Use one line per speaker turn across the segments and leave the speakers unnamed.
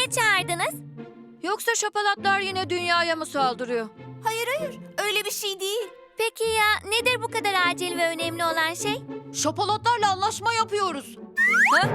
niye çağırdınız?
Yoksa şapalatlar yine dünyaya mı saldırıyor?
Hayır, öyle bir şey değil.
Peki ya nedir bu kadar acil ve önemli olan şey?
Şapalatlarla anlaşma yapıyoruz. Ha?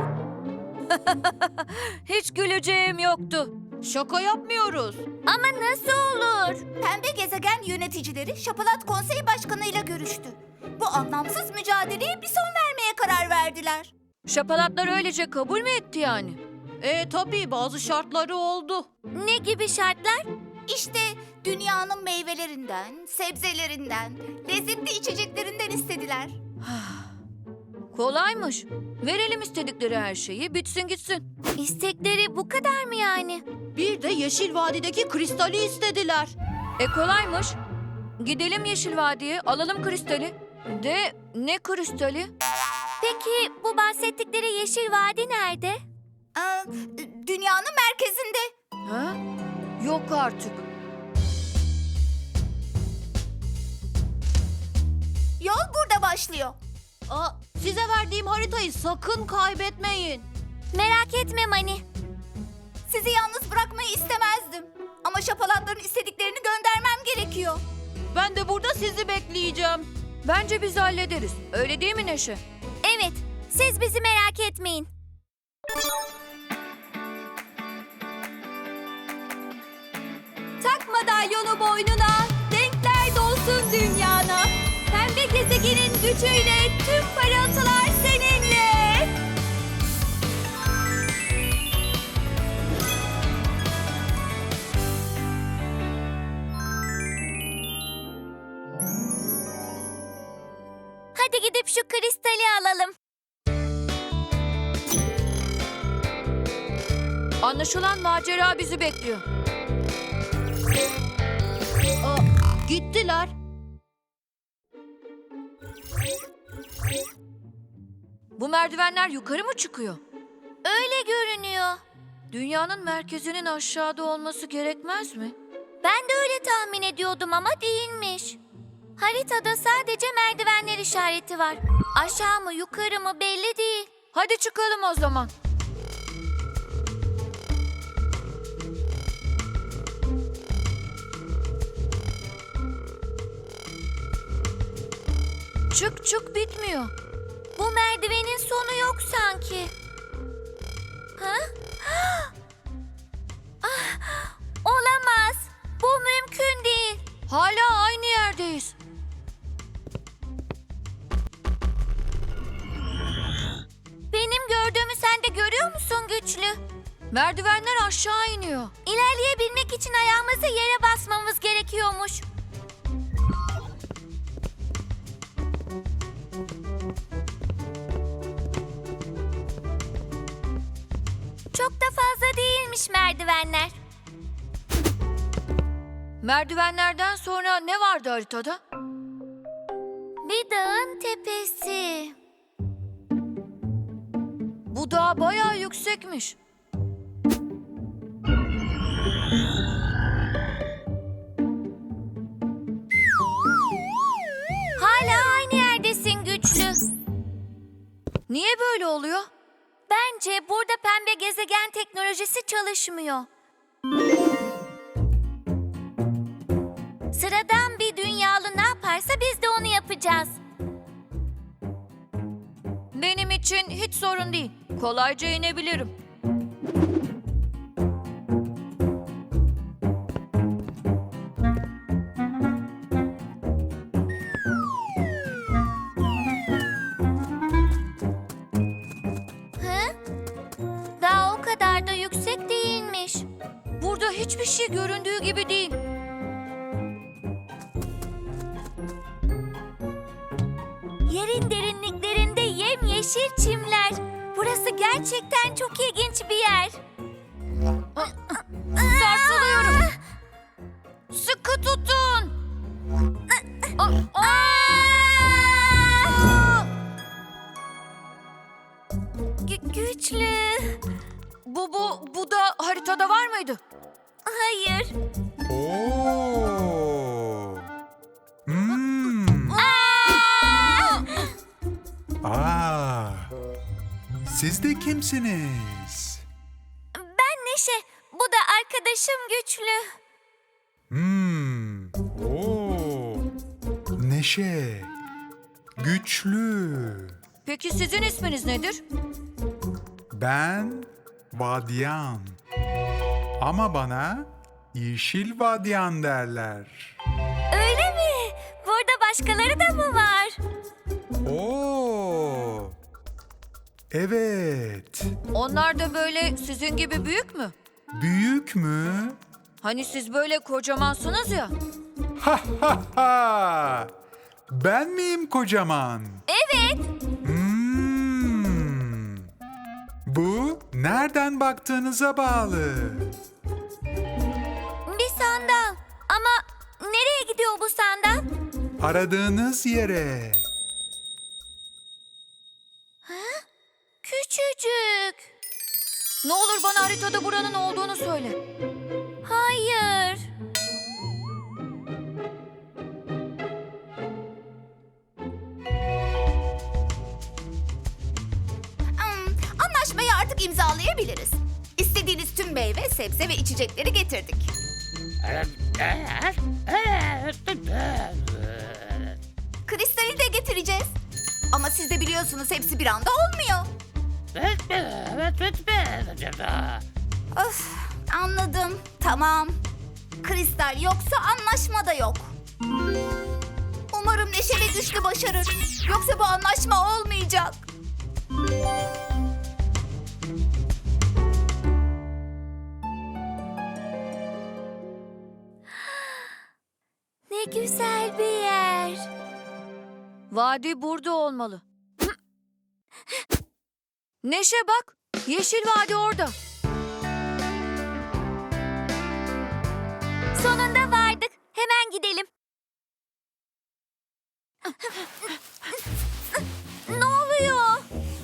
Hiç güleceğim yoktu. Şaka yapmıyoruz.
Ama nasıl olur?
Pembe gezegen yöneticileri Şapalat Konseyi Başkanı ile görüştü. Bu anlamsız mücadeleye bir son vermeye karar verdiler.
Şapalatlar öylece kabul mü etti yani? Tabii bazı şartları oldu.
Ne gibi şartlar?
İşte dünyanın meyvelerinden, sebzelerinden, lezzetli içeceklerinden istediler.
Kolaymış. Verelim istedikleri her şeyi, bitsin gitsin.
İstekleri bu kadar mı yani?
Bir de Yeşil Vadi'deki kristali istediler. Kolaymış. Gidelim Yeşil Vadi'ye, alalım kristali. De ne kristali?
Peki bu bahsettikleri Yeşil Vadi nerede?
Dünyanın merkezinde.
Ha? Yok artık.
Yol burada başlıyor.
Size verdiğim haritayı sakın kaybetmeyin.
Merak etme Mani.
Sizi yalnız bırakmayı istemezdim. Ama şapalatların istediklerini göndermem gerekiyor.
Ben de burada sizi bekleyeceğim. Bence biz hallederiz. Öyle değil mi Neşe?
Evet, siz bizi merak etmeyin.
Tak madalyonu boynuna, renkler dolsun dünyana. Pembe gezegenin gücüyle tüm parıltılar seninle.
Hadi gidip şu kristali alalım.
Anlaşılan macera bizi bekliyor. Gittiler. Bu merdivenler yukarı mı çıkıyor?
Öyle görünüyor.
Dünyanın merkezinin aşağıda olması gerekmez mi?
Ben de öyle tahmin ediyordum ama değilmiş. Haritada sadece merdivenler işareti var. Aşağı mı yukarı mı belli değil.
Hadi çıkalım o zaman. Çık çık bitmiyor.
Bu merdivenin sonu yok sanki. Ha? Olamaz. Bu mümkün değil.
Hala aynı yerdeyiz.
Benim gördüğümü sen de görüyor musun Güçlü?
Merdivenler aşağı iniyor.
İlerleyebilmek için ayağımızı yere basmamız gerekiyormuş. Çok da fazla değilmiş merdivenler.
Merdivenlerden sonra ne vardı haritada?
Bir dağın tepesi.
Bu dağ bayağı yüksekmiş.
Hala aynı yerdesin Güçlü.
Niye böyle oluyor?
Bence burada pembe gezegen teknolojisi çalışmıyor. Sıradan bir dünyalı ne yaparsa biz de onu yapacağız.
Benim için hiç sorun değil. Kolayca inebilirim.
Hı? Daha o kadar da yüksek değilmiş.
Burada hiçbir şey göründüğü gibi değil.
Yerin derinliklerinde yemyeşil çimler. Burası gerçekten çok ilginç bir yer.
Sarsılıyorum. Sıkı tutun.
Güçlü.
Bu da haritada var mıydı?
Hayır.
Oo. Siz de kimsiniz?
Ben Neşe. arkadaşım güçlü.
Oo. Neşe. Güçlü.
Peki sizin isminiz nedir?
Ben Vadyan. Ama bana Yeşil Vadyan derler.
Öyle mi? Burada başkaları da mı var?
Oo. Evet.
Onlar da böyle sizin gibi büyük mü?
Büyük mü?
Hani siz böyle kocamansınız ya.
Ha ha ha. Ben miyim kocaman?
Evet.
Bu nereden baktığınıza bağlı.
Bir sandal. Ama nereye gidiyor bu sandal?
Aradığınız yere.
Küçücük.
Ne olur bana haritada buranın olduğunu söyle.
Hayır.
Anlaşmayı artık imzalayabiliriz. İstediğiniz tüm meyve, sebze ve içecekleri getirdik. Kristali de getireceğiz. Ama siz de biliyorsunuz hepsi bir anda olmuyor. Öf, anladım. Tamam. Kristal yoksa anlaşma da yok. Umarım Neşe ve Güçlü başarır. Yoksa bu anlaşma olmayacak.
Ne güzel bir yer.
Vadi burada olmalı. Neşe bak. Yeşil vadi orada.
Sonunda vardık. Hemen gidelim. Ne oluyor?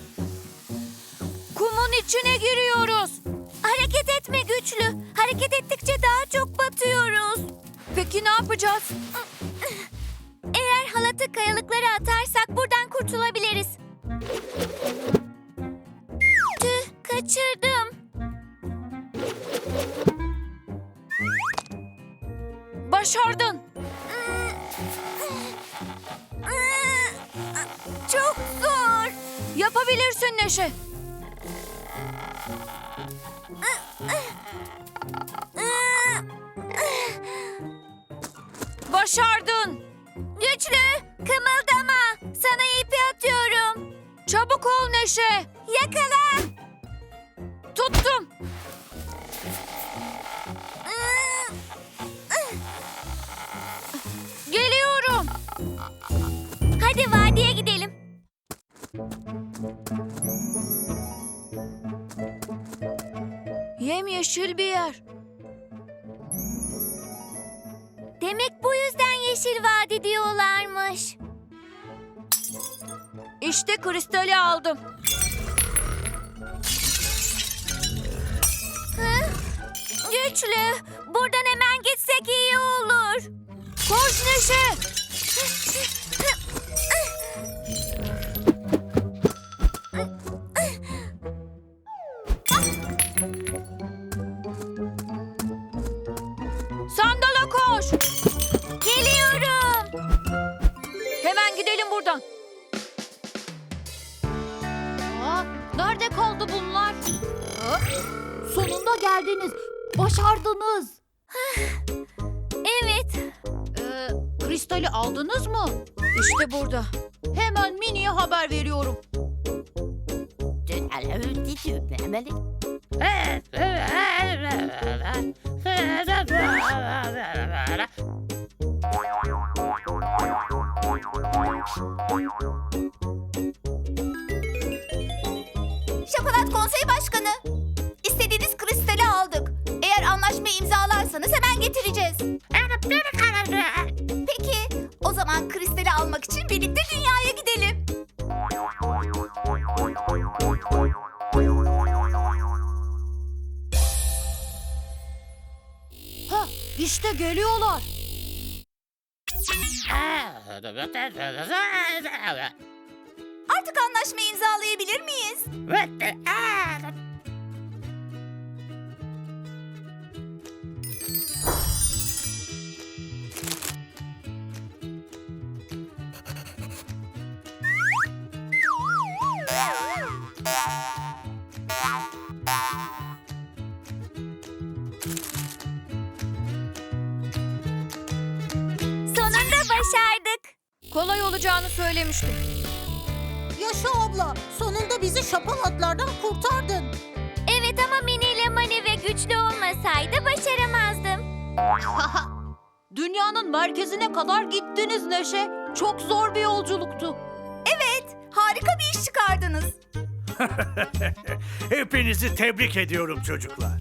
Kumun içine giriyoruz.
Hareket etme güçlü. Hareket ettikçe daha çok batıyoruz.
Peki ne yapacağız?
Eğer halatı kayalıklara atarsak buradan kurtulabiliriz. Tüh, kaçırdım.
Başardın.
Çok zor.
Yapabilirsin Neşe. Başardın.
Güçlü, kımıldama. Sana ipi atıyorum.
Çabuk ol Neşe.
Yakala.
Tuttum. Geliyorum.
Hadi vadiye gidelim.
Yemyeşil bir yer.
Demek bu yüzden Yeşil Vadi diyorlarmış.
İşte kristali aldım.
Güçlü, buradan hemen gitsek iyi olur.
Koş Neşe. Sandala koş.
Geliyorum.
Hemen gidelim buradan.
Nerede kaldı bunlar? Sonunda geldiniz. Başardınız.
Evet.
Kristali aldınız mı?
İşte burada.
Hemen Mini'ye haber veriyorum.
Şapalat Konsey Başkanı. İstediğiniz kristali aldık. Eğer anlaşmayı imzalarsanız hemen getireceğiz. Peki, o zaman kristali almak için birlikte dünyaya gidelim.
Ha, işte geliyorlar.
Artık anlaşmayı imzalayabilir miyiz?
Sonunda başardık.
Kolay olacağını söylemiştim.
Yaşa abla, sonunda bizi şapalatlardan kurtardın.
Evet ama Mini ile Mani ve güçlü olmasaydı başaramazdım.
Dünyanın merkezine kadar gittiniz Neşe. Çok zor bir yolculuktu.
Harika bir iş çıkardınız.
Hepinizi tebrik ediyorum çocuklar.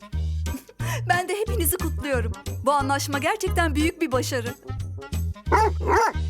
Ben de hepinizi kutluyorum. Bu anlaşma gerçekten büyük bir başarı.